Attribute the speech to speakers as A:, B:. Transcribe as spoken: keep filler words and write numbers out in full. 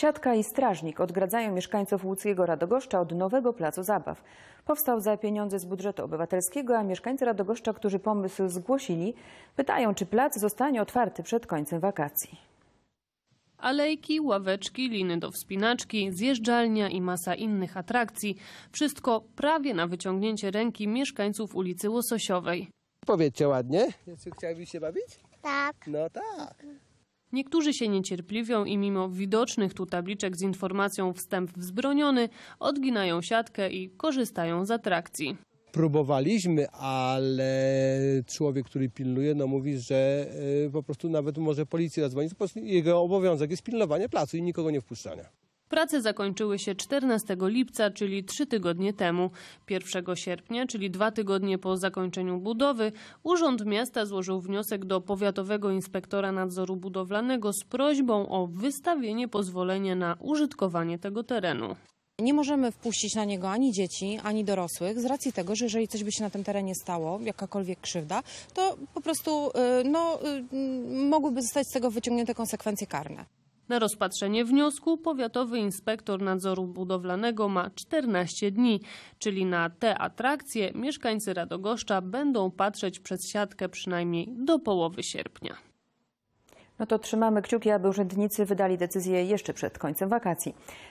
A: Siatka i strażnik odgradzają mieszkańców łódzkiego Radogoszcza od nowego placu zabaw. Powstał za pieniądze z budżetu obywatelskiego, a mieszkańcy Radogoszcza, którzy pomysł zgłosili, pytają, czy plac zostanie otwarty przed końcem wakacji.
B: Alejki, ławeczki, liny do wspinaczki, zjeżdżalnia i masa innych atrakcji. Wszystko prawie na wyciągnięcie ręki mieszkańców ulicy Łososiowej.
C: Powiedzcie ładnie, czy chciałbyś się bawić?
D: Tak.
C: No tak.
B: Niektórzy się niecierpliwią i mimo widocznych tu tabliczek z informacją wstęp wzbroniony, odginają siatkę i korzystają z atrakcji.
C: Próbowaliśmy, ale człowiek, który pilnuje, no mówi, że y, po prostu nawet może policji zadzwonić. Po prostu jego obowiązek jest pilnowanie placu i nikogo nie wpuszczania.
B: Prace zakończyły się czternastego lipca, czyli trzy tygodnie temu. pierwszego sierpnia, czyli dwa tygodnie po zakończeniu budowy, Urząd Miasta złożył wniosek do Powiatowego Inspektora Nadzoru Budowlanego z prośbą o wystawienie pozwolenia na użytkowanie tego terenu.
E: Nie możemy wpuścić na niego ani dzieci, ani dorosłych z racji tego, że jeżeli coś by się na tym terenie stało, jakakolwiek krzywda, to po prostu no, mogłyby zostać z tego wyciągnięte konsekwencje karne.
B: Na rozpatrzenie wniosku Powiatowy Inspektor Nadzoru Budowlanego ma czternaście dni, czyli na te atrakcje mieszkańcy Radogoszcza będą patrzeć przez siatkę przynajmniej do połowy sierpnia.
A: No to trzymamy kciuki, aby urzędnicy wydali decyzję jeszcze przed końcem wakacji.